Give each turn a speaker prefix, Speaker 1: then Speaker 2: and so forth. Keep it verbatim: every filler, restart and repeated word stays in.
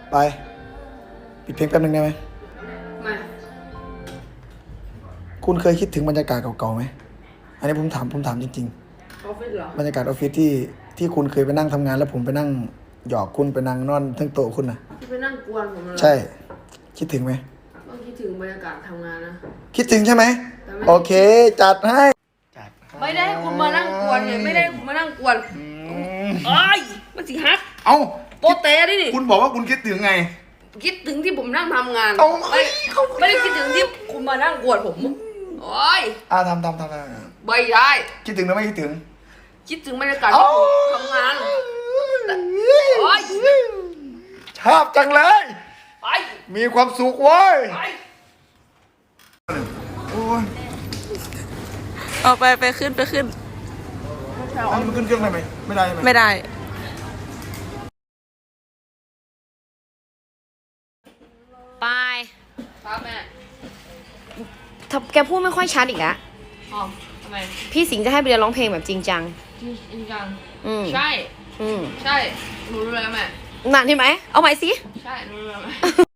Speaker 1: ไปปิดเพลงแป๊บนึงได้ไหม
Speaker 2: ไม่
Speaker 1: คุณเคยคิดถึงบรรยากาศเก่าๆไหมอันนี้ผมถามผมถามจริง
Speaker 2: ออฟฟิศเหรอบ
Speaker 1: ๆรรยากาศออฟฟิศที่ที่คุณเคยไปนั่งทำงานแล้วผมไปนั่งหยอกคุณไปนั่งนอนทั้งโต๊ะคุณนะ
Speaker 2: ที่ไปนั่งกวนผมเหรอ
Speaker 1: ใช่คิดถึงไหม
Speaker 2: ก็คิดถึงบรรยากาศทำงานนะ
Speaker 1: คิดถึงใช่ไหมโอเคจัดให้จัดให้
Speaker 2: ไม่ได้คุณมานั่งกวนไงไม่ได้คุณมานั่งกวนเอ้ยมันสิฮัก
Speaker 1: เอ้า
Speaker 2: โปเต้ดิดิ
Speaker 1: คุณบอกว่าคุณคิดถึงไง
Speaker 2: คิดถึงที่ผมนั่งทำงาน
Speaker 1: เอา
Speaker 2: ไม่ไม่ได้คิดถึงที่คุณมานั่งกวนผมโอ้ย
Speaker 1: อ่าทำทำทำทำ
Speaker 2: ไม่ได้
Speaker 1: คิดถึงหรือไม่คิดถึง
Speaker 2: คิดถึงบรรยากาศที่ผมทำงานโอ้ย
Speaker 1: ชอบจังเลย
Speaker 2: ไป
Speaker 1: มีความสุขเว้ย
Speaker 2: ไป
Speaker 1: โอ้ย
Speaker 2: เอาไปไปขึ้นไปขึ้น
Speaker 1: อันมันขึ้นเครื่องได้ไหมไม่ได้ไหม
Speaker 2: ไม่ได้
Speaker 3: ไป
Speaker 2: ครับแม่
Speaker 3: ถ้าแกพูดไม่ค่อยชัดอีกอะ
Speaker 2: อ๋อทำไม
Speaker 3: พี่สิงห์จะให้ไปเรียนร้องเพลงแบบจริงจัง
Speaker 2: จริงจัง
Speaker 3: อืม
Speaker 2: ใช่
Speaker 3: อืม
Speaker 2: ใช่หนูรู้แล้วแม่
Speaker 3: นานใช่ไหมเอาใหม่สิ
Speaker 2: ใช่หนูรู้แล้วแม่